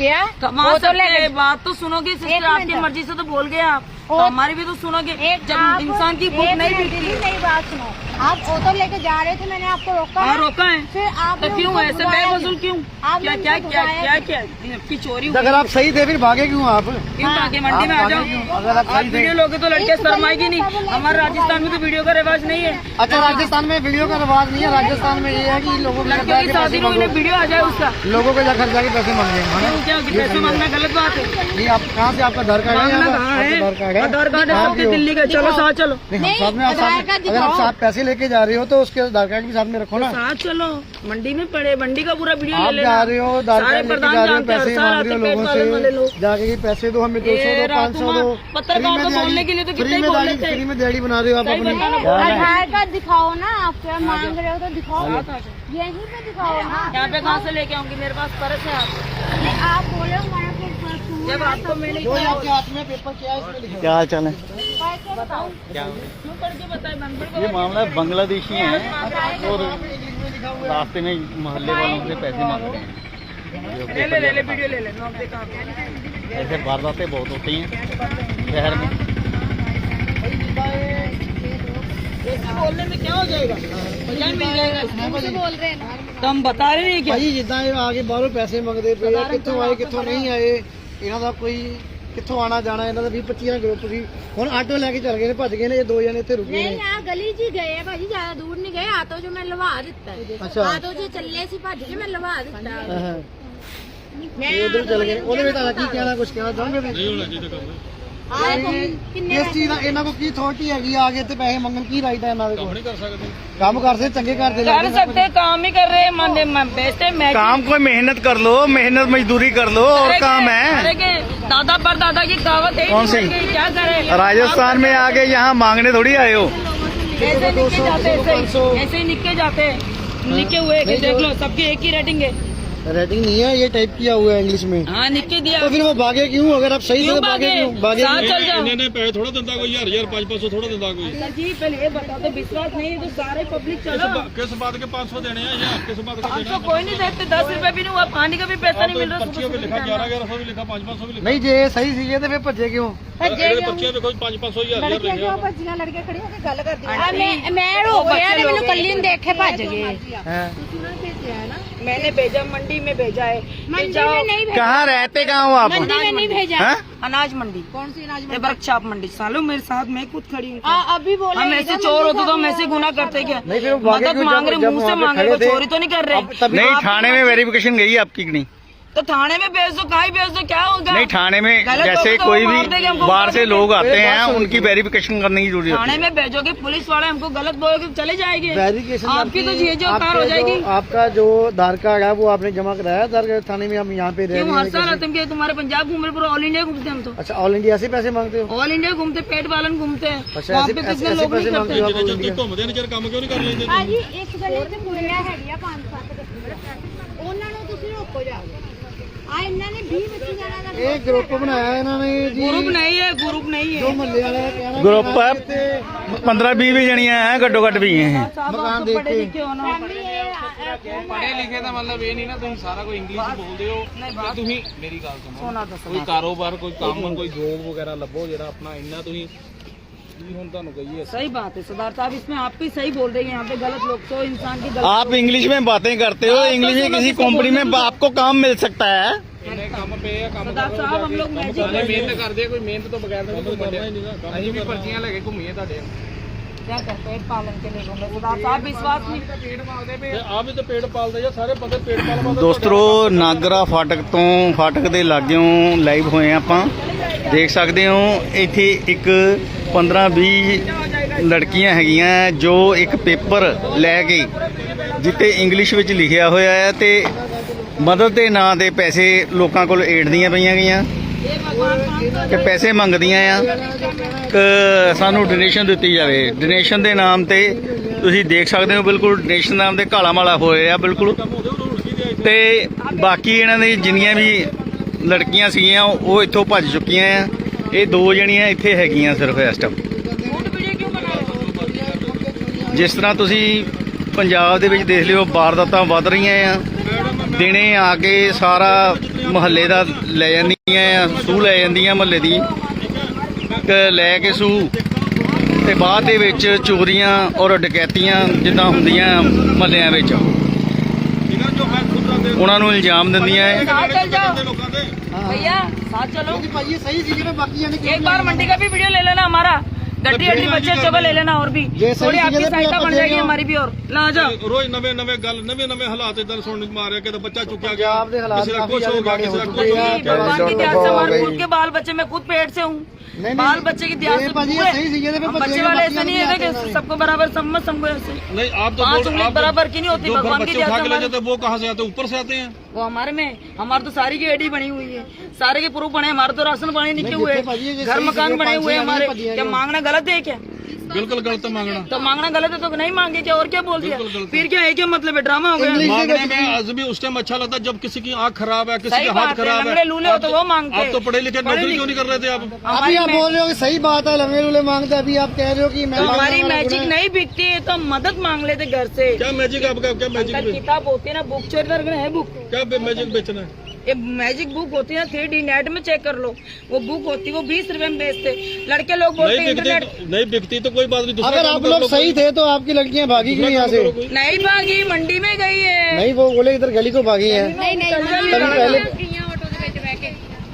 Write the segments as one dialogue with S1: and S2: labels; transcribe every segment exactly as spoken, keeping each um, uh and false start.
S1: गया
S2: कमा सकते हैं, बात तो सुनोगे सिस्टर, आपकी मर्जी से तो बोल गए आप, तो हमारी भी तो सुनोगे। जब इंसान की भूख नहीं मिलती।
S1: मेरी बात सुनो, आप ऑटो लेके जा रहे थे, मैंने आपको रोका।
S2: हाँ रोका है,
S1: फिर आप
S2: तो क्यों ऐसे बेवजूल क्यों? क्या क्या क्या क्या क्या की चोरी?
S3: अगर आप सही थे फिर भागे क्यों आप?
S2: क्यों भागे? मंडी में आ जाओ।
S3: अगर आप सही थे,
S2: वीडियो लोगे तो लड़के शर्माएगी नहीं। हमारे राजस्थान में तो वीडियो का रिवाज नहीं है।
S3: अच्छा राजस्थान में वीडियो का रिवाज नहीं है, राजस्थान में ये है कि लोगों के
S2: लड़के की शादी में वीडियो आ जाए उसका,
S3: लोगों के घर जाके पैसे मांगे।
S2: क्या पैसे मांगना गलत बात है?
S3: ये आप कहाँ से, आपका आधार कार्ड है? आधार कार्ड है,
S2: आधार कार्ड है दिल्ली का। चलो साथ चलो।
S3: साथ में अगर आप साथ पैसे लेके जा रहे हो तो उसके आधार कार्ड भी साथ में रखो ना।
S2: साथ चलो, मंडी में पड़े, मंडी का पूरा वीडियो ले लेना।
S3: जा रहे हो आधार कार्ड लेके जा रहे हो, पैसे मांग रहे हो लोगों से, जाके कि पैसे दो, हमें दो सौ दो, पाँच सौ दो।
S2: पत्रकार को बोलने के लिए तो कितने बोल लेते हैं।
S3: फ्री में दिहाड़ी बना रहे हो आप अपनी।
S1: आधार कार्ड दिखाओ ना, आप क्या मांग रहे हो तो दिखाओ, यहीं पे दिखाओ ना।
S2: यहाँ पे कहाँ से लेके आऊंगी? मेरे पास पर्स है। आप
S1: आप बोले हमारा
S2: जब आपको मैंने
S3: आपके हाथ में पेपर क्या है इसमें लिखा? क्या हाल चाल है? क्या
S2: क्यों करके बताए?
S4: ये मामला बांग्लादेशी है और रास्ते में मोहल्ले वालों से पैसे मांग रहे हैं।
S2: ले ले ले ले वीडियो ले ले। नौकरी कहाँ पे?
S4: ऐसे वारदातें बहुत होती हैं शहर में।
S2: ऐसे बोलने में क्या हो जाएगा? क्या मिल जाएगा?
S1: बोल रहे हैं ना,
S2: तो हम बता रहे हैं क्या?
S3: भाई जिदा आगे बाहरों पैसे मंगते पे ਆ, ਕਿੱਥੋਂ ਆਏ ਕਿੱਥੋਂ ਨਹੀਂ ਆਏ, ਇਹਨਾਂ ਦਾ ਕੋਈ ਕਿੱਥੋਂ ਆਣਾ ਜਾਣਾ, ਇਹਨਾਂ ਦਾ ਵੀਹ ਪੱਚੀ ਗਰੁੱਪ ਸੀ। ਹੁਣ ਆਟੋ ਲੈ ਕੇ ਚੱਲ ਗਏ ਨੇ, ਭੱਜ ਗਏ ਨੇ, ਇਹ ਦੋ ਜਣੇ ਇੱਥੇ ਰੁਕੇ ਨੇ।
S1: ਨਹੀਂ ਆ ਗਲੀ 'ਚ ਹੀ ਗਏ ਆ ਭਾਜੀ, ਜ਼ਿਆਦਾ ਦੂਰ ਨਹੀਂ ਗਏ। ਆਟੋ 'ਚ ਮੈਂ ਲਵਾ ਦਿੱਤਾ।
S3: ਅੱਛਾ।
S1: ਆਟੋ 'ਚ ਚੱਲੇ ਸੀ, ਭੱਜ ਕੇ ਮੈਂ ਲਵਾ ਦਿੱਤਾ।
S3: ਹਾਂ
S1: ਮੈਂ
S3: ਇਹ ਉਧਰ ਚੱਲ ਗਏ। ਉਹਦੇ ਵਿੱਚ ਤੁਹਾਡਾ ਕੀ ਕਹਿਣਾ, ਕੁਝ ਕਹਿਣਾ ਚਾਹੋਗੇ? ਨਹੀਂ ਹੋਣਾ ਚਾਹੀਦਾ ਕੰਮ।
S1: ਕਿੰਨੇ
S3: ਇਸ ਚੀਜ਼ ਦਾ ਇਹਨਾਂ ਕੋਲ ਕੀ ਅਥਾਰਟੀ ਹੈਗੀ ਆ ਆਗੇ ਤੇ ਪੈਸੇ ਮੰਗਣ ਕੀ ਰਾਈਟ ਹੈ ਇਹਨਾਂ ਦੇ ਕੋਲ? ਕੰਮ ਨਹੀਂ ਕਰ ਸਕਦੇ, ਕੰਮ ਕਰਦੇ ਚੰਗੇ ਕਰਦੇ
S2: कर सकते, काम ही कर रहे हैं। माने बेचते मैं
S4: काम कोई मेहनत कर लो, मेहनत मजदूरी कर लो और काम है।
S2: दादा पर दादा की कहावत है,
S4: कौन सी?
S2: क्या करे?
S4: राजस्थान में आके यहाँ मांगने थोड़ी आए हो।
S2: ऐसे निके जाते, ऐसे ऐसे ही निके जाते हैं। निके हुए कि देख लो, सबकी एक ही रेटिंग है।
S3: रेटिंग नहीं है, ये टाइप किया हुआ है इंग्लिश में।
S2: हाँ निके दिया।
S3: तो फिर वो भागे क्यों? अगर आप सही
S2: क्यों
S3: से भागे क्यों? भागे
S2: साथ चल जाओ।
S5: इन्होंने पैसे थोड़ा दिंदा कोई हजार हजार पाँच पाँच सौ थोड़ा दिंदा कोई।
S2: सर जी पहले ये बता दो, विश्वास नहीं है तो सारे पब्लिक चलो।
S5: किस बात के पाँच सौ देने हैं या किस बात के
S2: हम
S5: देने
S2: तो कोई नहीं देते, दस रुपए भी नहीं हुआ, पानी का भी पैसा नहीं मिल रहा।
S5: पर्चियों पे लिखा ग्यारह ग्यारह सौ भी लिखा, पाँच पाँच सौ भी लिखा।
S3: नहीं जे सही सी तो फिर भज्जे क्यों?
S5: पर्चियों पे कोई पाँच पाँच सौ हजार
S1: ਲੜਕੀਆਂ ਕਿਉਂ ਭੱਜੀਆਂ? ਲੜਕੇ ਖੜੇ ਹੋ ਕੇ ਗੱਲ ਕਰਦੀਆਂ। ਮੈਂ ਮੈਂ ਰੋ ਗਿਆ ਤੇ ਮੈਨੂੰ ਕੱਲੀ ਨੂੰ ਦੇਖ ਕੇ ਭੱਜ ਗਏ।
S3: हैं
S2: मैंने भेजा, मंडी में भेजा है।
S1: मंडी में नहीं भेजा,
S4: कहाँ रहते कहाँ हो आप?
S1: मंडी में नहीं भेजा।
S4: हाँ?
S2: अनाज मंडी।
S1: कौन सी अनाज
S2: ये वर्कशॉप मंडी। सालों मेरे साथ मैं खुद खड़ी हूँ।
S1: आ, अभी बोले
S2: हम ऐसे चोर होते तो हम ऐसे गुना करते क्या?
S3: नहीं फिर वो भागे
S2: मदद
S3: क्यों?
S2: मांग रहे,
S3: जब
S2: मुंह से
S3: वहाँ पे
S2: मांग रहे,
S3: खड़े थे,
S2: चोरी तो नहीं कर रहे।
S3: तभी
S4: नहीं थाने में वेरिफिकेशन गई आपकी कि नहीं?
S2: तो थाने में भेज दो, कहीं भेज दो, क्या होगा?
S4: नहीं थाने में
S2: गलत
S4: जैसे
S2: होगा तो
S4: कोई
S2: वो मार देंगे
S4: भी
S2: हमको,
S4: बाहर
S2: मार
S4: से
S2: देंगे।
S4: लोग आते
S3: मेरे
S4: हैं
S3: बात सुन
S4: उनकी वेरिफिकेशन करने की जरूरत
S2: थाने
S4: है।
S2: में भेजोगे, पुलिस वाले हमको गलत बोलोगे तो चले जाएंगे।
S3: वेरिफिकेशन
S2: आपकी तो ये जो कार हो जाएगी।
S3: आपका जो आधार कार्ड है वो आपने जमा कराया आधार थाने में? हम यहाँ पे रह
S2: क्यों
S3: रहे
S2: हर साल
S3: हैं।
S2: आते हैं? तुम्हारे पंजाब घूम रहे, पूरा ऑल इंडिया घूमते हम तो।
S3: अच्छा ऑल इंडिया से पैसे मांगते हो?
S2: ऑल इंडिया घूमते, पेट पालन घूमते हैं।
S3: अच्छा
S2: वहाँ
S3: ऐसे
S2: पे
S3: ऐसे
S2: कितने
S3: ऐसे
S2: लोग नहीं
S3: पैसे
S2: करते।
S3: मांगते हो आप ऑल
S5: जब
S3: इंडिया?
S5: तुम घूमते ने काम क्यों नहीं कर लेते?
S1: ਭਾਜੀ ਇਸ ਗਲੀ 'ਚ ਕੁੜੀਆਂ ਹੈਗੀਆਂ ਪੰਜ ਸੱਤ, ਉਹਨਾਂ ਨੂੰ ਤੁਸੀਂ ਰੋਕੋ ਜਾ ਕੇ। ਆ ਇਹਨਾਂ ਨੇ ਵੀਹ ਪੱਚੀ ਜਣਾਂ ਦਾ
S3: ਇਹ ਗਰੁੱਪ ਬਣਾਇਆ ਇਹਨਾਂ ਨੇ ਜੀ,
S2: ग्रुप नहीं है, ग्रुप नहीं
S3: ਜੋ
S2: है।
S3: ਮਹੱਲੇ ਵਾਲੇ ਦਾ ਕਹਿਣਾ
S4: ग्रुप है पंद्रह बीस भी जनिया है, घट्टो घट भी हैं।
S3: मकान देख
S2: पढ़े
S3: के।
S2: लिखे हो ना।
S6: ਪੜ੍ਹੇ ਲਿਖੇ ਦਾ ਮਤਲਬ ਇਹ ਨਹੀਂ ਨਾ ਤੁਸੀਂ ਸਾਰਾ ਕੋਈ ਇੰਗਲਿਸ਼ ਬੋਲਦੇ ਹੋ ਤੇ ਤੁਸੀਂ ਮੇਰੀ ਗੱਲ ਸੁਣੋ।
S2: सोना दस
S6: ਕੋਈ ਕਾਰੋਬਾਰ, ਕੋਈ ਕੰਮ, ਕੋਈ ਜੋਬ ਵਗੈਰਾ ਲੱਭੋ ਜਿਹੜਾ ਆਪਣਾ ਇੰਨਾ ਤੁਸੀਂ ਕੀ ਹੁਣ ਤੁਹਾਨੂੰ ਕਹੀਏ।
S2: सही बात है सरदार साहब, इसमें आप भी सही बोल रहे हैं। यहाँ पे गलत लोग तो इंसान की गलत
S4: आप इंग्लिश में बातें करते हो, इंग्लिश में किसी कंपनी में आपको काम मिल सकता है।
S6: ਇੰਨੇ ਕੰਮ ਪਏ ਆ, ਕੰਮ
S2: सरदार साहब हम लोग मैजिक
S6: ਸਾਰੇ ਮਿਹਨਤ ਕਰਦੇ ਆ, ਕੋਈ ਮਿਹਨਤ ਤੋਂ ਬਗੈਰ ਤਾਂ ਕੋਈ ਘੁੰਮਦੇ। ਅਸੀਂ ਵੀ ਪਰਚੀਆਂ ਲੈ ਕੇ ਘੁੰਮੀਏ ਤੁਹਾਡੇ।
S2: क्या करते हैं? पेट पालन के लिए घूमे। सरदार साहब विश्वास नहीं।
S6: ਪੇਟ ਪਾਲਦੇ ਪਏ
S5: आप भी तो पेड़ पालते हैं, सारे बंदे पेड़ पाल पाल।
S4: ਦੋਸਤੋ ਨਾਗਰਾ ਫਾਟਕ ਤੋਂ ਫਾਟਕ ਦੇ ਲਾਗਿਓਂ ਲਾਈਵ ਹੋਏ ਆਪਾਂ। ਦੇਖ ਸਕਦੇ ਹੋ ਇੱਥੇ ਇੱਕ ਪੰਦਰਾਂ ਵੀਹ ਲੜਕੀਆਂ ਹੈਗੀਆਂ ਜੋ ਇੱਕ ਪੇਪਰ ਲੈ ਕੇ ਜਿੱਤੇ ਇੰਗਲਿਸ਼ ਵਿੱਚ ਲਿਖਿਆ ਹੋਇਆ ਹੈ ਤੇ ਮਦਦ ਦੇ ਨਾਂ ਦੇ ਪੈਸੇ ਲੋਕਾਂ ਕੋਲ ਏੜਦੀਆਂ ਪਈਆਂ ਗਈਆਂ ਕਿ ਪੈਸੇ ਮੰਗਦੀਆਂ ਆ ਕਿ ਸਾਨੂੰ ਡੋਨੇਸ਼ਨ ਦਿੱਤੀ ਜਾਵੇ। ਡੋਨੇਸ਼ਨ ਦੇ ਨਾਮ ਤੇ ਤੁਸੀਂ ਦੇਖ ਸਕਦੇ ਹੋ ਬਿਲਕੁਲ ਡੋਨੇਸ਼ਨ ਨਾਮ ਦੇ ਕਾਲਾ ਮਾਲਾ ਹੋਏ ਆ ਬਿਲਕੁਲ। ਤੇ ਬਾਕੀ ਇਹਨਾਂ ਦੀ ਜਿੰਨੀਆਂ ਵੀ ਲੜਕੀਆਂ ਸੀਗੀਆਂ ਉਹ ਇੱਥੋਂ ਭੱਜ ਚੁੱਕੀਆਂ ਆ। ਇਹ ਦੋ ਜਣੀਆਂ ਇੱਥੇ ਹੈਗੀਆਂ ਸਿਰਫ ਇਸ ਟਾਈਮ। ਜਿਸ ਤਰ੍ਹਾਂ ਤੁਸੀਂ ਪੰਜਾਬ ਦੇ ਵਿੱਚ ਦੇਖ ਲਿਓ ਵਾਰਦਾਤਾਂ ਵੱਧ ਰਹੀਆਂ ਆ। ਦਿਨੇ ਆ ਕੇ ਸਾਰਾ ਮੁਹੱਲੇ ਦਾ ਲੈ ਜਾਂਦੀਆਂ ਸੂਹ ਲੈ ਜਾਂਦੀਆਂ ਮੁਹੱਲੇ ਦੀ ਕ- ਲੈ ਕੇ ਸੂਹ ਤੇ ਬਾਅਦ ਦੇ ਵਿੱਚ ਚੋਰੀਆਂ ਔਰ ਡਕੈਤੀਆਂ ਜਿੱਦਾਂ ਹੁੰਦੀਆਂ ਮੁਹੱਲਿਆਂ ਵਿੱਚ ਉਹਨਾਂ ਨੂੰ ਇਲਜ਼ਾਮ ਦਿੰਦੀਆਂ ਹੈ।
S2: साथ चल जाओ
S5: ਲੋਕਾਂ ਦੇ
S2: भैया, साथ चलो।
S3: ਭਾਜੀ ਇਹ ਸਹੀ ਸੀ ਨਾ ਬਾਕੀ ਜਾਨੇ
S2: एक बार मंडी का भी वीडियो ले लेना हमारा, गड्डी गड्डी बच्चे बच्चों को ले लेना और भी
S3: ये सही
S2: थोड़ी
S3: चीज़
S2: आपकी
S3: है,
S2: सहायता
S3: आप
S2: बन
S3: दे
S2: जाएगी
S3: रहे हो।
S2: हमारी भी। और ला जाओ
S5: ਰੋਜ਼ ਨਵੇਂ ਨਵੇਂ ਗੱਲ ਨਵੇਂ ਨਵੇਂ ਹਾਲਾਤ ਇਦਾਂ ਸੁਣਨ ਨੂੰ ਮਾਰਿਆ ਕਿ ਬੱਚਾ ਚੁੱਕਿਆ ਗਿਆ
S3: ਪੰਜਾਬ ਦੇ ਹਾਲਾਤ
S5: ਕਿਸੇ ਦਾ
S3: ਕਾਫੀ
S5: ਕੁਛ ਹੋ
S3: ਜ਼ਿਆਦਾ
S5: ਗਿਆ ਕਿਸੇ ਦਾ
S3: ਮਾੜੇ
S5: ਕੁਛ
S3: ਹੋ
S5: ਹੋ
S3: ਚੁੱਕੇ
S5: ਗਿਆ
S3: ਆ।
S2: भगवान की दया से हमारे खुद के बाल बच्चे, मैं खुद पेट से हूँ,
S3: नहीं,
S2: बाल बच्चे की दया
S3: ये
S2: से
S3: भाजी, ये
S2: हुए।
S3: सही चीज़ है,
S2: हम
S3: बच्चे
S2: बच्चे
S3: के
S2: वाले
S3: बच्चे
S2: ऐसे नहीं
S3: नहीं
S2: है
S3: आते
S2: कि
S3: हैं।
S2: सबको बराबर समझ समझो ऐसे।
S5: नहीं आप तो
S2: पाँच
S5: बोल-
S2: उंगली
S5: आप
S2: बराबर की नहीं होती,
S5: जो घर
S2: भगवान की
S5: बच्चे
S2: दया
S5: उठा
S2: से
S5: के ले
S2: हमारे-
S5: जाते हैं, वो कहाँ से आते हैं? ऊपर से आते हैं।
S2: वो हमारे में हमारे तो सारी की एडी बनी हुई है, सारे के प्रूफ बने, हमारे तो राशन पानी निकले
S3: नहीं,
S2: हुए
S3: देखो भाजी, ये
S2: हैं, घर
S3: सही
S2: मकान
S3: चीज़ है,
S2: बने
S3: पाँच
S2: हुए हैं
S3: छह
S2: हमारे।
S3: आदमी
S2: क्या मांगना गलत है क्या?
S5: बिल्कुल गलत है मांगना।
S2: तो मांगना गलत है तो नहीं मांगे क्या? और क्या बोल दिया?
S5: बिल्कुल गलत है।
S2: फिर क्या है, क्या मतलब है? ड्रामा हो गया।
S3: इंग्लिश
S5: मांगने में आज भी उस टाइम अच्छा लगता है जब किसी की आंख खराब है, किसी
S2: सही
S5: का हाथ
S2: बात है,
S5: खराब है।
S2: लंगड़े लूले हो तो वो मांगते।
S5: आप तो पढ़े लिखे
S2: पढ़े
S5: नौकरी
S2: लिखे-
S5: क्यों नहीं कर रहे थे आप?
S3: अभी
S2: हमारी
S3: आप बोल रहे हो कि सही बात है, लंगे लूले मांगते, अभी आप कह रहे हो कि मैं
S2: हमारी
S3: मांगने वाला
S2: मैजिक
S3: गुना है।
S2: नहीं बिकती है तो हम मदद मांग लेते घर से।
S5: क्या मैजिक आपका क्या मैजिक
S2: अंदर
S5: बे-
S2: किताब होती है ना, बुक चोरी करके है बुक,
S5: क्या बे- मैजिक बेचना है?
S2: ये मैजिक बुक होती है ना, थ्री डी नेट में चेक कर लो, वो बुक होती है, वो बीस रुपए में बेचते। लड़के लोग बोलते
S5: नहीं
S2: हैं इंटरनेट
S5: बिकती नहीं बिकती तो कोई बात नहीं, दूसरा
S3: अगर
S5: काम
S3: आप
S5: कर
S3: लोग
S5: लो,
S3: सही
S5: कोई-
S3: थे तो आपकी लड़कियां भागी क्यों
S5: दूसरा
S3: यहाँ
S5: काम
S3: से?
S5: करो कोई।
S2: नहीं भागी, मंडी में गई है।
S3: नहीं, वो बोले इधर गली को भागी है।
S1: ਨਹੀਂ ਨਹੀਂ
S3: तभी पहले
S1: ਆਟੋ ਦੇ ਵਿੱਚ ਬਹਿ ਕੇ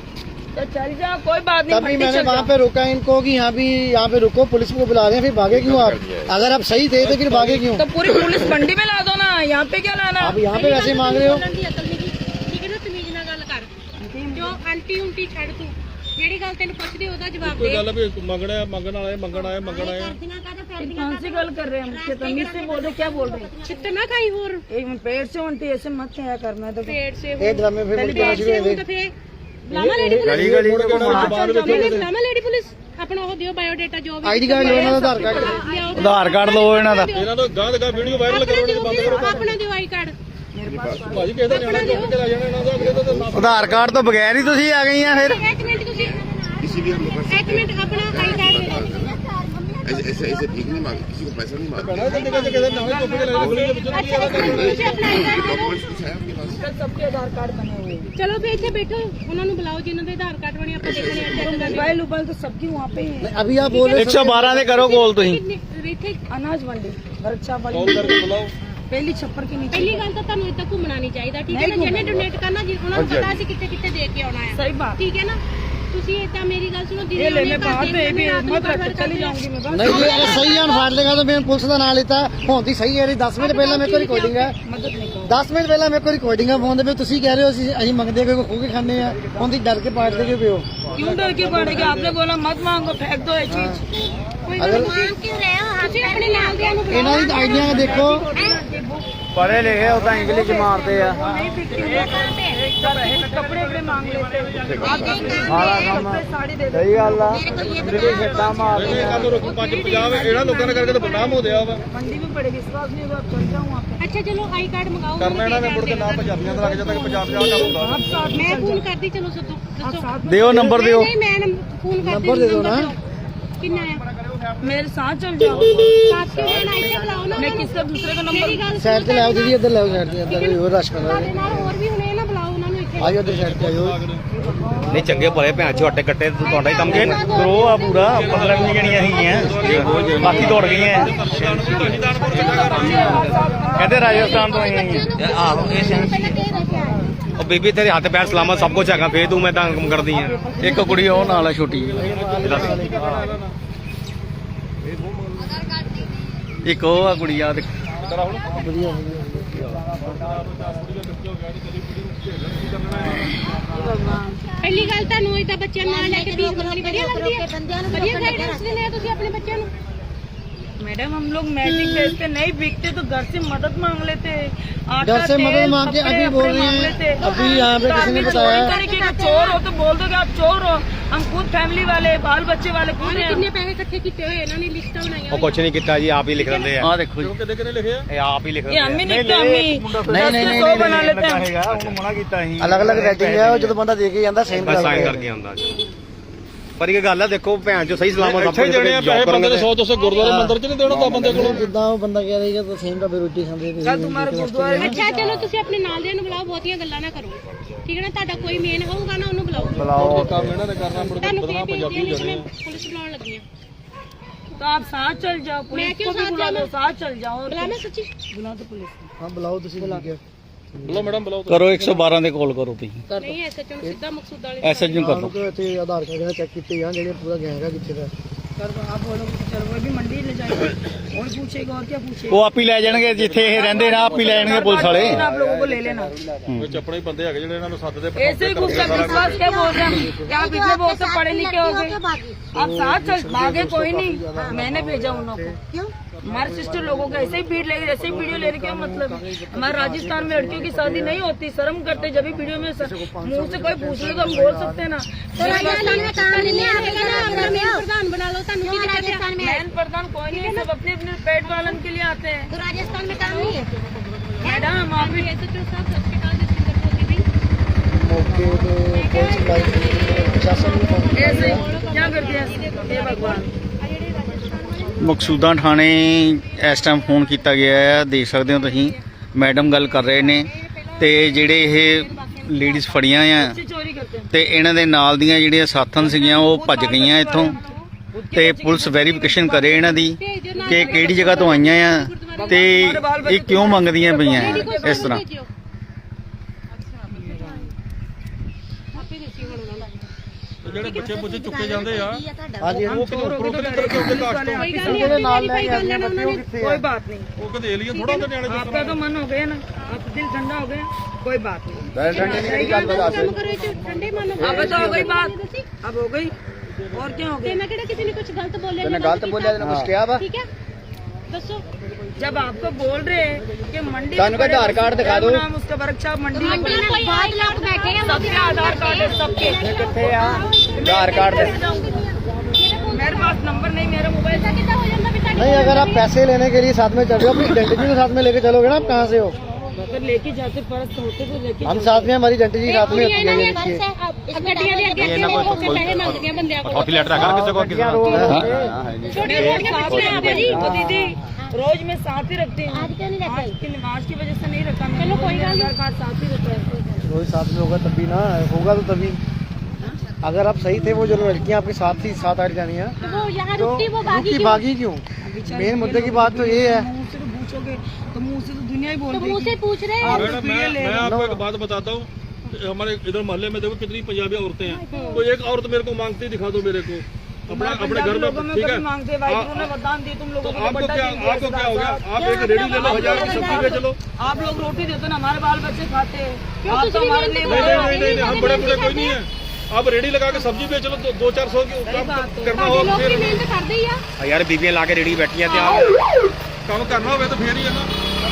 S2: तो चल जा, कोई बात नहीं,
S3: तभी
S2: मंडी
S3: मैंने
S2: चल
S3: वहाँ
S2: जाओ।
S3: पे रोका इनको कि यहाँ भी यहाँ पे रुको, पुलिस को बुला रहे हैं, फिर भागे क्यों आप? अगर आप सही थे तो फिर भागे क्यों?
S2: तो पूरी पुलिस मंडी में ला दो ना, यहाँ पे क्या लाना?
S3: आप यहाँ पे वैसे मांग रहे हो?
S1: ਬੋਲਣ ਦੀ ਅਕਲ ਨਹੀਂ ਠੀਕ ਹੈ ਨਾ, ਤਮੀਜ਼ ਨਾਲ ਗੱਲ ਕਰ। ਜੋ ਆਂਟੀ ਉਂਟੀ ਛੱਡ ਤੂੰ, ਜਿਹੜੀ ਗੱਲ ਤੈਨੂੰ ਪੁੱਛਦੀ ਉਹਦਾ ਜਵਾਬ
S5: कोई
S1: ਦੇ।
S5: गल है भी मंगना है मंगना है मंगना है मंगना है।
S1: ਕਰਦੀਆਂ ਕਾਹਦਾ ਫਿਰਦੀਆਂ
S2: कौन सी गल कर रहे हैं हम? तमीज से बोल रहे, क्या बोल रहे हैं?
S1: ਛਿੱਤਰ ਨਾ ਖਾਈ ਹੋਰ
S2: एक पेड़ से उल्टी ऐसे मत खाया करना तो।
S1: ਪੇਟ ਸੇ
S3: एक ड्रामे फिर मुझे
S1: ਪੇਟ ਸੇ ਹੁਣ ਤਾਂ ਫੇਰ ਬੁਲਾਵਾ ਲੇਡੀ ਪੁਲਿਸ,
S5: गली गली में
S1: ਨਹੀਂ ਬੁਲਾਵਾ ਲੇਡੀ ਪੁਲਿਸ, ਆਪਣਾ ਉਹ ਦਿਓ ਬਾਇਓਡਾਟਾ ਜੋ ਵੀ
S3: आईडी कार्ड लो ना, आधार कार्ड
S1: ਲਿਆਓ।
S4: ਆਧਾਰ ਕਾਰਡ ਲਓ ਇਹਨਾਂ ਦਾ।
S5: ਇਹਨਾਂ ਤੋਂ ਗਾਂ ਦਾ ਵੀਡੀਓ ਵਾਇਰਲ ਕਰੋ ਨਹੀਂ ਬੰਦ ਕਰੋ
S1: ਆਪਣਾ ਦਿਓ ਆਈ ਕਾਰਡ।
S5: ਭਾਜੀ ਕਿਸੇ ਦਾ ਨਿਆਣਾ ਚੁੱਕ ਕੇ ਲੈ ਜਾਣਾ ਇਹਨਾਂ ਦਾ, ਅਗਲੇ ਦਾ ਤਾਂ ਨਾ-
S4: ਆਧਾਰ ਕਾਰਡ ਤੋਂ ਬਗੈਰ ਹੀ ਤੁਸੀਂ ਆ ਗਈਆਂ ਫਿਰ।
S1: ਇੱਕ ਮਿੰਟ ਤੁਸੀਂ ਇੱਕ ਮਿੰਟ ਆਪਣਾ ਆਈ ਕਾਰਡ ਦੇ ਦਿਓ।
S7: ऐसे ऐसे ऐसे भीख नहीं मांगे, किसी को पैसा नहीं मांगे।
S5: ਭੈਣਾ ਜल्दी ਕਿਸੇ ਦਾ ਨਿਆਣਾ ਚੁੱਕ ਕੇ ਲੈ ਜਾਣਾ ਗਲੀ ਦੇ ਵਿੱਚ।
S1: ਅੱਛਾ ਇੱਕ ਮਿੰਟ ਤੁਸੀਂ ਆਪਣਾ ਆਈ ਕਾਰਡ ਦੇ ਦਿਓ।
S7: डॉक्यूमेंट्स कुछ है आपके पास?
S2: सबके आधार कार्ड बने हुए हैं।
S1: ਚਲੋ ਫੇ ਇੱਥੇ ਬੈਠੋ, ਉਹਨਾਂ ਨੂੰ ਬੁਲਾਓ ਜਿਨ੍ਹਾਂ ਦੇ आधार कार्ड ਬਣੇ, ਆਪਾਂ ਦੇਖਣੇ ਆ ਚੈੱਕ करने।
S2: मोबाइल उबाइल तो सबकी वहाँ पे ही है।
S3: अभी आप बोल रहे
S4: ਇੱਕ ਸੌ ਬਾਰਾਂ ਦੇ ਕਰੋ ਕੋਲ ਤੁਸੀਂ।
S1: ਕਿੰਨੇ ਇੱਥੇ
S2: अनाज मंडी वर्कशॉप
S5: कॉल
S2: वाली
S5: करके बुलाओ।
S2: पहली छप्पर के नीचे।
S1: ਪਹਿਲੀ ਗੱਲ ਤਾਂ ਤੁਹਾਨੂੰ ਇੱਦਾਂ ਘੁੰਮਣਾ ਨਹੀਂ ਚਾਹੀਦਾ, ਠੀਕ ਹੈ ਨਾ? ਜਿਹਨੇ ਡੋਨੇਟ ਕਰਨਾ ਜੀ ਉਹਨਾਂ ਨੂੰ ਪਤਾ ਸੀ ਕਿੱਥੇ ਕਿੱਥੇ ਦੇ ਕੇ ਆਉਣਾ ਹੈ,
S2: सही बात।
S1: ਠੀਕ ਹੈ ਨਾ? ਤੁਸੀਂ ਇੱਦਾਂ ਮੇਰੀ ਗੱਲ ਸੁਣੋ,
S2: ये ले मैं बाहर तो ये भी मत रख के चली जाऊंगी मैं बस।
S3: नहीं जी, अगर सही है फाड़ लेगा तो मैं पुलिस का नाम लेता होती सही है। दस मिनट पहले मेरे को रिकॉर्डिंग है,
S2: मदद नहीं करो।
S3: दस मिनट पहले मेरे को रिकॉर्डिंग है फोन पे। ਤੁਸੀਂ ਕਹਿ ਰਹੇ ਹੋ ਅਸੀਂ ਅਸੀਂ ਮੰਗਦੇ ਕੋਈ ਖੋ ਕੇ ਖਾਂਦੇ ਆ, ਉਹਦੀ ਡਰ ਕੇ ਪਾੜਦੇ ਕਿਉਂ ਪਿਓ?
S2: क्यों डर के पड़ेगा? आपने बोला मत मांगो, फेंक दो ये चीज।
S1: ਕੋਈ ਗੱਲ ਮਾंग ਕਿਉਂ ਰਹੇ ਹੋ? ਤੁਸੀਂ ਆਪਣੇ ਨਾਲ ਦਿਆਂ ਨੂੰ
S3: ਇਹਨਾਂ ਦੀ ਆਈਡੀਆਂ ਦੇਖੋ,
S4: ਪੜ੍ਹੇ ਲਿਖੇ ਉਹ ਤਾਂ ਇੰਗਲਿਸ਼ ਮਾਰਦੇ ਆ।
S2: नहीं बिकती वो कपड़े कपड़े मांग लेते हैं। आप कपड़े साड़ी दे दो।
S4: ਸਹੀ ਗੱਲ ਆ।
S5: ਇਹ ਕੰਮ ਰੋਕੋ ਪੰਜ ਪੰਜਾਬ ਇਹਨਾਂ ਲੋਕਾਂ ਨੇ ਕਰਕੇ ਤਾਂ ਬਦਨਾਮ ਹੋ ਗਿਆ ਵਾ।
S2: मंडी में पड़े, विश्वास नहीं होगा, चल जाऊँ वहाँ पे।
S1: ਅੱਛਾ ਚਲੋ ਆਈ ਕਾਰਡ ਮੰਗਾਓ।
S5: ਕਰਨਾ ਇਹਨਾਂ ਨੇ ਮੁੜ ਕੇ ਨਾ ਪੰਜਾਬੀਆਂ ਦਾ ਲੱਗ ਜਾਂਦਾ ਕਿ ਪੰਜਾਬ ਜਾ ਕੰਮ ਹੁੰਦਾ।
S2: आप साथ में
S1: ਮੈਂ
S2: चल
S1: ਫੋਨ
S2: जाओ।
S1: ਕਰਦੀ, ਚਲੋ ਸੱਦੋ
S2: आप
S1: ਦੱਸੋ।
S2: साथ में
S4: ਦਿਓ ਨੰਬਰ ਦਿਓ।
S1: ਨਹੀਂ ਮੈਂ ਫੋਨ ਕਰਦੀ,
S3: ਨੰਬਰ ਦੇ ਦਿਓ ਨਾ।
S1: ਕਿੰਨਾ ਆ?
S2: मेरे साथ चल जाओ।
S1: ਸਾਥ ਕਿਉਂ ਲੈਣਾ? ਇੱਥੇ ਬੁਲਾਓ ਨਾ
S2: मैं
S1: ਉਹਨਾਂ ਨੂੰ।
S2: किससे दूसरे का
S1: ਮੇਰੀ
S2: नंबर
S1: ਗੱਲ
S3: ਸਾਈਡ ਤੇ ਲਾਓ ਦੀਦੀ, ਇੱਧਰ ਲਾਓ ਸਾਈਡ ਤੇ, ਇੱਧਰ ਕੋਈ ਹੋਰ ਰਸ਼ ਕਰ
S1: ਤੁਹਾਡੇ ਨਾਲ ਹੋਰ ਵੀ ਹੁਣੇ ਨਾ ਬੁਲਾਓ ਉਹਨਾਂ ਨੂੰ ਇੱਥੇ।
S3: ਆਇਓ ਇੱਧਰ ਸਾਈਡ ਤੇ ਆਇਓ।
S4: ਨਹੀਂ ਚੰਗੇ ਭਲੇ ਭੈਣ ਛੋਟੇ ਕੱਟੇ ਤੁਹਾਡਾ ਹੀ ਕੰਮ ਹੈ। ਗਰੋ ਆ ਪੂਰਾ ਪੰਦਰਾਂ ਵੀਹ ਜਣੀਆਂ ਹੈਗੀਆਂ, ਬਾਕੀ ਦੌੜ ਗਈਆਂ। ਕਹਿੰਦੇ ਰਾਜਸਥਾਨ ਤੋਂ ਆਈਆਂ ਹੈਗੀਆਂ। ਆਹੋ ਇਹ
S1: ਪਹਿਲਾਂ ਕਿਹ ਰੱਖਿਆ ਹੈ।
S4: ਉਹ ਬੀਬੀ ਤੇਰੇ ਹੱਥ ਪੈਰ ਸਲਾਮਤ ਸਭ ਕੁਝ ਹੈਗਾ, ਫੇਰ ਤੂੰ ਮੈਂ ਤਾਂ ਕੰਮ ਕਰਦੀ ਆ। ਇੱਕ ਕੁੜੀ ਉਹ ਨਾਲ ਆ ਛੋਟੀ, ਇੱਕ ਉਹ ਆ ਕੁੜੀ ਆ ਦੇਖ।
S1: ਪਹਿਲੀ ਗੱਲ ਤੁਹਾਨੂੰ ਇਦਾਂ ਬੱਚਿਆਂ ਨਾਲ ਲੈ ਕੇ ਫੀਸ ਮੰਗਣੀ ਵਧੀਆ ਲੱਗਦੀ ਹੈ? ਵਧੀਆ ਗਾਈਡੈਂਸ ਦਿੰਦੇ ਆ ਤੁਸੀਂ ਆਪਣੇ ਬੱਚਿਆਂ ਨੂੰ।
S2: मैडम हम लोग मैजिक बेचते, नहीं बिकते तो घर से मदद मांग लेते। आटा,
S3: घर से मदद
S2: तेल,
S3: मांग के
S2: कपड़े,
S3: अभी बोल
S2: वपड़े
S3: रहे
S2: मांग
S3: हैं।
S2: लेते।
S3: अभी यहाँ पे
S2: तो
S3: किसी ने
S2: आदमी
S3: बताया।
S2: चोरी तरीके का चोर हो तो बोल दो कि आप चोर हो। हम खुद फैमिली वाले, बाल बच्चे वाले खुद हैं।
S1: ਕਿੰਨੇ ਪੈਸੇ ਇਕੱਠੇ ਕੀਤੇ ਹੋਏ ਇਹਨਾਂ ਨੇ, ਲਿਸਟਾਂ ਬਣਾਈਆਂ
S4: ਉਹ ਕੁਛ ਨਹੀਂ ਕੀਤਾ ਜੀ, ਆਪ ਹੀ ਲਿਖ ਦਿੰਦੇ ਆ। ਆ ਦੇਖੋ ਜੀ,
S5: ਕਿੰਨੇ ਕਿੰਨੇ ਲਿਖੇ ਆ?
S4: ਇਹ ਆਪ ਹੀ ਲਿਖ
S2: ये
S4: ਦਿੰਦੇ
S2: हम ही
S4: ਆ।
S2: नहीं तो हम ही
S3: नहीं,
S2: दस
S3: नहीं,
S2: के
S3: नहीं,
S2: सौ
S3: नहीं,
S2: बना लेते हैं।
S4: ਹੈਗਾ ਉਹਨੂੰ ਮਨਾ ਕੀਤਾ ਸੀ,
S3: ਅਲੱਗ ਅਲੱਗ ਰੇਟਿੰਗ ਹੈ, ਉਹ ਜਦੋਂ ਬੰਦਾ ਦੇ ਕੇ ਜਾਂਦਾ ਸੇਮ
S4: ਬਸ ਸਾਈਨ ਕਰਕੇ ਆਉਂਦਾ ਜੀ। ਪਰ ਇਹ ਗੱਲ ਆ ਦੇਖੋ ਭੈਣ ਚੋ ਸਹੀ ਸਲਾਮਤ
S5: ਇੱਥੇ ਜਿਹੜੇ ਆ ਪੈਸੇ ਬੰਦੇ ਦੇ ਸੌ ਦੋ ਸੌ ਗੁਰਦੁਆਰੇ ਮੰਦਿਰ ਚ ਨਹੀਂ ਦੇਣਾ ਤਾਂ ਬੰਦੇ ਕੋਲੋਂ
S3: ਜਿੱਦਾਂ ਉਹ ਬੰਦਾ ਕਹਿ ਰਿਹਾ ਕਿ ਸੇਮ ਢਾਬੇ ਰੋਟੀ ਖਾਂਦੇ ਤੇ
S2: कल तुम्हारे गुरुद्वारे में
S1: ਅੱਛਾ ਚਲੋ ਤੁਸੀਂ ਆਪਣੇ ਨਾਲ ਦੇ ਨੂੰ ਬੁਲਾਓ, ਬਹੁਤੀਆਂ ਗੱਲਾਂ ਨਾ ਕਰੋ ਠੀਕ ਹੈ ਨਾ। ਤੁਹਾਡਾ ਕੋਈ ਮੇਨ ਹੋਊਗਾ ਨਾ ਉਹਨੂੰ ਬੁਲਾਓ।
S3: ਬੁਲਾਓ
S5: ਕੰਮ ਇਹਨਾਂ ਨੇ ਕਰਨਾ ਮੁੜ ਕੇ
S1: ਤੁਹਾਨੂੰ
S5: ਬਦਨਾ
S1: ਕੀ
S5: ਪੰਜਾਬੀ
S1: ਬੇਨਤੀ
S5: ਜਾਣੇ
S1: ਹੈ, पुलिस बुलाने लगी है।
S2: तो आप साथ चल जाओ,
S1: मैं
S2: पुलिस
S1: क्यों
S2: को भी
S1: साथ
S2: बुला दो,
S1: जाऊं?
S2: साथ चल जाओ।
S1: बुलाना सच्ची
S2: बुला दो पुलिस को।
S3: ਹਾਂ ਬੁਲਾਓ ਤੁਸੀਂ ਬੁਲਾ ਕੇ
S5: ਬੁਲਾਓ ਮੈਡਮ ਬੁਲਾਓ
S4: ਕਰੋ ਇੱਕ ਸੌ ਬਾਰਾਂ ਦੇ ਕਾਲ ਕਰੋ ਤੁਸੀਂ
S1: ਨਹੀਂ ਐਸਐਚਓ ਨੂੰ ਸਿੱਧਾ ਮਕਸੂਦ ਵਾਲੇ
S4: ਐਸਐਚ ਨੂੰ ਕਰ
S3: ਉਹਨੂੰ
S4: ਲਓ
S3: ਕਿ ਇੱਥੇ ਆਧਾਰ ਕਾਰਡ ਚੈੱਕ ਕੀਤੇ ਜਾਣ ਜਿਹੜੇ ਪੂਰਾ ਗੈਂਗ ਹੈ ਕਿੱਥੇ ਦਾ।
S2: कर दो, आप बोलो चलो वो भी मंडी ले जाएंगे और पूछेगा और क्या पूछेगा।
S4: ਉਹ ਆਪ ਹੀ ਲੈ ਜਾਣਗੇ ਜਿੱਥੇ ਇਹ ਰਹਿੰਦੇ ਨਾ ਆਪ ਹੀ ਲੈ ਜਾਣਗੇ ਪੁਲਿਸ ਵਾਲੇ
S2: आप लोगों को ले लेना।
S5: ਵਿੱਚ ਆਪਣੇ ਹੀ ਬੰਦੇ ਹੈਗੇ ਜਿਹੜੇ ਇਹਨਾਂ ਨੂੰ ਸੱਦਦੇ
S2: ऐसे ही गुस्सा विश्वास क्या बोल रहे हैं, क्या आप इतने बहुत से पढ़े लिखे हो गए, आप साथ चल भागे कोई नहीं, मैंने भेजा उन लोगों को। हमारे सिस्टर लोगों को ऐसे ही भीड़ लेगी, ऐसे ही वीडियो लेने क्या मतलब है। हमारे राजस्थान में लड़कियों की शादी नहीं होती, शर्म करते जब भी वीडियो में मुंह से कोई पूछ ले तो हम बोल सकते हैं ना।
S1: तो राजस्थान में काम नहीं आएगा ना, अंदर में प्रधान बना लो। ਤੁਹਾਨੂੰ ਕੀ ਰਾਜस्थान में
S2: मैन प्रधान कोई नहीं है, सब अपने अपने पेट पालन के लिए आते हैं।
S1: तो राजस्थान में काम नहीं है
S2: मैडम आप भी
S1: एसएचओ साहब सत श्री अकाल जसविंਦਰ ਕੌਰ जी
S3: ਮੌਕੇ ਤੇ ਪੁਲਿਸ ਲਾਈ ਪ੍ਰਸ਼ਾਸਨ ਨੂੰ ਫੋਨ
S2: ऐसे क्या कर दिया हे भगवान।
S4: ਮਕਸੂਦਾਂ ਥਾਣੇ ਇਸ ਟਾਈਮ ਫੋਨ ਕੀਤਾ ਗਿਆ ਹੈ, ਦੇਖ ਸਕਦੇ ਹੋ ਤੁਸੀਂ ਮੈਡਮ ਗੱਲ ਕਰ ਰਹੇ ਨੇ ਤੇ ਜਿਹੜੇ ਇਹ ਲੇਡੀਜ਼ ਫੜੀਆਂ ਆ
S2: बच्चे चोरी करते हैं।
S4: ਤੇ ਇਹਨਾਂ ਦੇ ਨਾਲ ਦੀਆਂ ਜਿਹੜੀਆਂ ਸਾਥਣ ਸੀਗੀਆਂ ਉਹ ਭੱਜ ਗਈਆਂ ਇੱਥੋਂ ਤੇ ਪੁਲਿਸ ਵੈਰੀਫਿਕੇਸ਼ਨ ਕਰੇ ਇਹਨਾਂ ਦੀ ਕਿ ਕਿਹੜੀ ਜਗ੍ਹਾ ਤੋਂ ਆਈਆਂ ਆ ਤੇ ਇਹ ਕਿਉਂ ਮੰਗਦੀਆਂ ਪਈਆਂ ਇਸ ਤਰ੍ਹਾਂ।
S5: ਜਿਹੜੇ ਬੱਚੇ ਬੁੱਝੇ ਚੁੱਕੇ ਜਾਂਦੇ ਆ
S3: ਹਾਂਜੀ
S5: ਉਹ ਕਿਤੇ ਉੱਪਰੋਂ ਕਿਤੇ ਕਰਕੇ ਉਹਦੇ ਕਾਸ਼ ਤੋਂ
S1: कोई गल
S3: ਜਿਹੜੇ
S1: नहीं
S3: ਨਾਲ ਲੈ
S1: वेरीफाई
S3: ਕੇ
S1: कर
S3: ਆਉਂਦੇ
S1: लेना
S3: ਬੱਚੇ ਉਹ
S1: उन्होंने।
S3: ਕਿੱਥੇ
S2: कोई
S3: ਆ।
S2: बात नहीं,
S5: ਉਹ ਕਦੇ ਏਲੀਅਨ ਥੋੜਾ ਹੁੰਦੇ ਨਿਆਣੇ
S2: आपका तो मन हो गया ना, आप दिल ठंडा हो गया, कोई बात नहीं।
S1: ਕੰਮ ਕਰੋ ਇਹ 'ਚ ਠੰਡੇ ਮਨ ਨਾਲ।
S2: अब तो हो गई बात, अब हो गई और क्या हो
S1: ਤੇ
S2: गया।
S1: ਮੈਂ ਕਿਹੜਾ ਕਿਸੇ ਨੇ ਕੁਝ ਗਲਤ ਬੋਲਿਆ
S3: ਤੈਨੂੰ ਗਲਤ ਬੋਲਿਆ ਤੈਨੂੰ ਕੁਝ ਕਿਹਾ ਵਾ
S1: ਠੀਕ ਹੈ ਦੱਸੋ।
S2: जब आपको बोल रहे हैं कि मंडी
S3: तानु का आधार कार्ड दिखा दो।
S2: नाम उसका वर्कशॉप मंडी में
S1: मंडी में कोई बहुत लोग बैठे हैं
S2: सबके आधार कार्ड है सबके।
S3: ਕਿੱਥੇ ਆ ਆਧਾਰ ਕਾਰਡ ਦੇ
S2: मेरे पास नंबर नहीं, मेरा मोबाइल
S1: ऐसा कितना हो जाता बेटा।
S3: नहीं अगर आप पैसे लेने के लिए साथ में चल रहे हो अपनी आइडेंटिटी को साथ में लेके चलोगे ना। आप कहाँ से हो?
S2: अगर लेके जाते फर्ज होते तो लेके
S3: हम साथ में हमारी आइडेंटिटी साथ में होती है ये देखिए।
S1: ਗੱਡੀਆਂ ਦੇ ਅੱਗੇ ਅੱਗੇ ਹੋ ਕੇ ਪੈਸੇ ਮੰਗਦੀਆਂ ਬੰਦਿਆਂ ਕੋਲ।
S5: ਹੌਟੀ ਲੈਟ ਰੱਖਾ ਕਿਸੇ ਕੋਲ
S3: क्या रोड है?
S1: ਛੋਟੀਆਂ ਛੋਟੀਆਂ ਬੱਚੀਆਂ ਆ ਜੀ।
S2: ओ दीदी रोज मैं साथ ही रखती हूँ,
S1: आज क्यों नहीं रखते?
S2: आज की नमाज की वजह से नहीं रखा।
S1: चलो कोई बात नहीं।
S2: आधार कार्ड साथ ही रहता है।
S3: रोज साथ में होगा तभी ना, होगा तो तभी। अगर आप सही थे वो जो लड़कियां आपके साथ ही साथ आ जानी है
S1: तो वो यहाँ
S3: तो
S1: रुकती वो बागी
S3: रुकी
S1: क्यों?
S3: भागी क्यों? मेन मुद्दे की बात तो ये है।
S2: मुंह से तो पूछोगे तो मुंह से तो दुनिया ही बोल
S1: तो
S2: रही
S1: मुँह से
S2: है।
S1: पूछ रहे हैं।
S5: मैडम मैं मैं आपको एक बात बताता हूँ, हमारे इधर मोहल्ले में देखो कितनी पंजाबी औरतें हैं, कोई एक औरत मेरे को मांगती दिखा दो मेरे को अपना अपने घर
S2: लोगों
S5: में,
S2: में
S5: ठीक
S2: कभी
S5: है।
S2: मांगते वाइफ ने वरदान दी तुम
S5: तो
S2: लोगों को
S5: आपको
S2: बड़ा
S5: क्या
S2: चीज़ दिया
S5: आपको क्या हो गया?
S2: सरदार
S5: आप एक रेडी ले लो, हजार की सब्जी बेच लो।
S2: साहब। आप लोग रोटी देते हो ना, हमारे बाल बच्चे खाते हैं।
S1: क्यों
S2: आप
S1: कुछ
S2: तो
S1: भी
S2: हमारे
S1: नहीं
S2: लिए
S1: देते?
S5: नहीं
S2: बड़े
S5: नहीं नहीं नहीं, हम बड़े बड़े कोई नहीं है। आप रेडी लगा के सब्जी बेच लो, तो दो चार सौ की काम
S2: बात है।
S5: करना
S1: ਸਾਡੇ
S5: हो
S1: ਲੋਕ
S5: फिर
S1: ਵੀ ਮਿਹਨਤ ਕਰਦੇ ਹੀ ਆ।
S4: ਯਾਰ ਬੀਬੀਆਂ ਲਾ ਕੇ ਰੇੜੀ ਬੈਠੀਆਂ ਤੇ
S5: ਕੰਮ ਕਰਨਾ ਹੋਵੇ ਤਾਂ ਫੇਰ ਹੀ ਹੈ ਨਾ।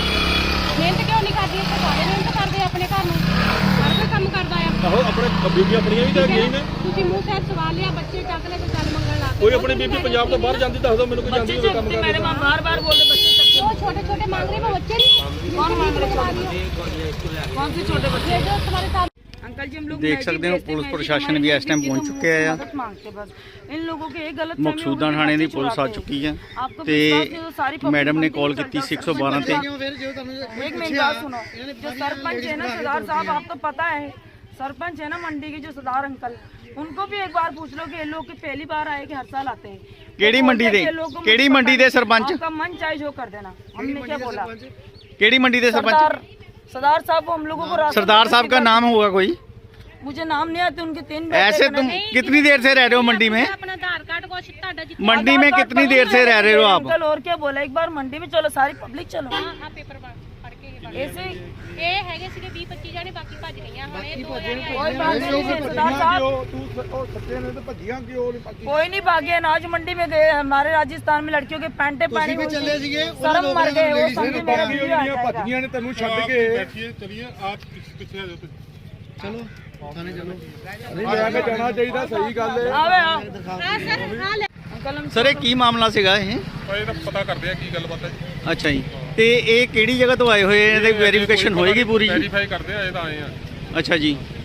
S1: ਮਿਹਨਤ ਕਿਉਂ ਨਹੀਂ ਕਰਦੀ? ਇੱਥੇ ਸਾਰੇ ਮਿਹਨਤ ਕਰਦੇ ਆ ਆਪਣੇ ਘਰ ਨੂੰ, ਹਰ ਕੋਈ ਕੰਮ ਕਰਦਾ ਆ।
S5: ਆਹੋ ਆਪਣੇ ਬੀਬੀਆਂ ਆਪਣੀਆਂ ਵੀ ਤਾਂ ਹੈਗੀਆਂ ਹੀ ਨੇ।
S1: ਤੁਸੀਂ ਮੂੰਹ ਸਿਰ ਸਵਾਲ ਲਿਆ, ਬੱਚੇ ਚੱਕ ਲੈ ਕੇ ਚੱਲ ਮੰਗਣ ਲੱਗ
S5: ਕੋਈ ਆਪਣੀ ਬੀਬੀ ਪੰਜਾਬ ਤੋਂ ਬਾਹਰ ਜਾਂਦੀ ਦੱਸ ਦਿਓ ਮੈਨੂੰ, ਕੋਈ ਜਾਂਦੀ
S2: बच्चे
S5: ਹੋਵੇ ਕੰਮ
S2: चलते, मेरे
S5: ਕਰਨ।
S2: माँ बार बार बोलते बच्चे चलते।
S1: वो छोटे छोटे मांग रहे वो बच्चे नहीं।
S2: कौन मांग रहे छोटे? कौन से छोटे बच्चे?
S1: ये जो तुम्हारे साथ
S2: अंकल जी हम लोग
S4: देख
S2: मैगी
S4: सकते हो,
S2: बेचते हैं,
S4: पुलिस
S2: मैगी
S4: प्रशासन
S2: हमारी
S4: भी इस टाइम
S2: किसी
S4: पहुंच
S2: को
S4: चुके हैं।
S2: मदद मांगते बस। इन लोगों के एक गलत
S4: ਮਕਸੂਦਾਂ ਥਾਣੇ ਦੀ ਪੁਲਿਸ ਆ ਚੁੱਕੀ ਹੈ
S2: आपको
S4: ਤੇ
S2: विश्वास नहीं तो सारी public
S4: ਮੈਡਮ ਨੇ
S2: बनती
S4: ਕਾਲ
S2: है,
S4: ਕੀਤੀ
S2: चल
S4: ਸੀ
S2: जाओ,
S4: एक सौ बारह ਤੇ।
S2: एक मिनट बात सुनो, जो सरपंच है ना सरदार साहब, आप तो पता है सरपंच है ना मंडी के जो सरदार अंकल, उनको भी एक बार पूछ लो कि ये लोग की पहली बार आए कि हर साल आते हैं।
S4: ਕਿਹੜੀ ਮੰਡੀ ਦੇ ਕਿਹੜੀ ਮੰਡੀ ਦੇ ਸਰਪੰਚ
S2: आपका मन चाहे जो कर देना, हमने क्या बोला।
S4: ਕਿਹੜੀ ਮੰਡੀ ਦੇ
S2: सरदार
S4: सरपंच?
S2: सरदार साहब को हम लोगों को रास्ता
S4: सरदार साहब का नाम होगा कोई?
S2: मुझे नाम नहीं आते उनके तीन बेटे
S4: ऐसे
S2: हैं।
S4: तुम कितनी देर से रह रहे हो मंडी में?
S1: अपना आधार कार्ड को ਤੁਹਾਡਾ जितना
S4: मंडी में कितनी देर से रह रहे हो आप?
S2: अंकल और क्या बोला, एक बार मंडी में चलो सारी पब्लिक चलो।
S1: ਆ ਪੇਪਰ ਪੜ ਕੇ
S2: ऐसे
S1: ਇਹ ਹੈਗੇ ਸੀਗੇ ਵੀਹ ਪੱਚੀ ਜਾਣੇ, ਬਾਕੀ ਭੱਜ ਗਈਆਂ। ਹੁਣ ਇਹ ਦੋ ਜਾਣੇ ਆਏ।
S2: कोई बात नहीं है, सरदार साहब
S5: ਤੂੰ ਉਹ ਸੱਚੇ ਨੇ ਤਾਂ ਭੱਜੀਆਂ ਕਿਉਂ ਨਹੀਂ ਬਾਕੀ?
S2: कोई नहीं भागे। अनाज मंडी में गए, हमारे राजस्थान में लड़कियों के पैंटे पहनी हुई
S3: चले
S2: थी,
S3: सीगे,
S2: शर्म मर गए वो समझे मेरा वीडियो आ जाएगा।
S5: ਭੱਜੀਆਂ ਨੇ ਤੈਨੂੰ ਛੱਡ ਕੇ।
S7: बैठिए चलिए आप पीछे आ जाओ।
S3: चलो थाने चलो।
S5: ਨਹੀਂ ਲੈ ਕੇ ਜਾਣਾ ਚਾਹੀਦਾ, ਸਹੀ ਗੱਲ ਹੈ।
S2: आवे आओ
S1: ਹਾਂ ਸਰ ਹਾਂ ਲੈ
S2: अंकल हम
S4: ਸਰ ਇਹ ਕੀ ਮਾਮਲਾ ਸੀਗਾ ਇਹ?
S5: ਇਹ ਤਾਂ ਪਤਾ ਕਰਦੇ ਆ ਕੀ ਗੱਲਬਾਤ ਹੈ ਜੀ।
S4: ਅੱਛਾ ਜੀ, ਤੇ ਇਹ ਕਿਹੜੀ ਜਗ੍ਹਾ ਤੋਂ ਆਏ ਹੋਏ? ਇਹਦੀ ਵੈਰੀਫਿਕੇਸ਼ਨ ਹੋਏਗੀ ਪੂਰੀ ਜੀ?
S5: ਵੈਰੀਫਾਈ ਕਰਦੇ ਆ, ਇਹ ਤਾਂ ਆਏ ਆ।
S4: ਅੱਛਾ ਜੀ,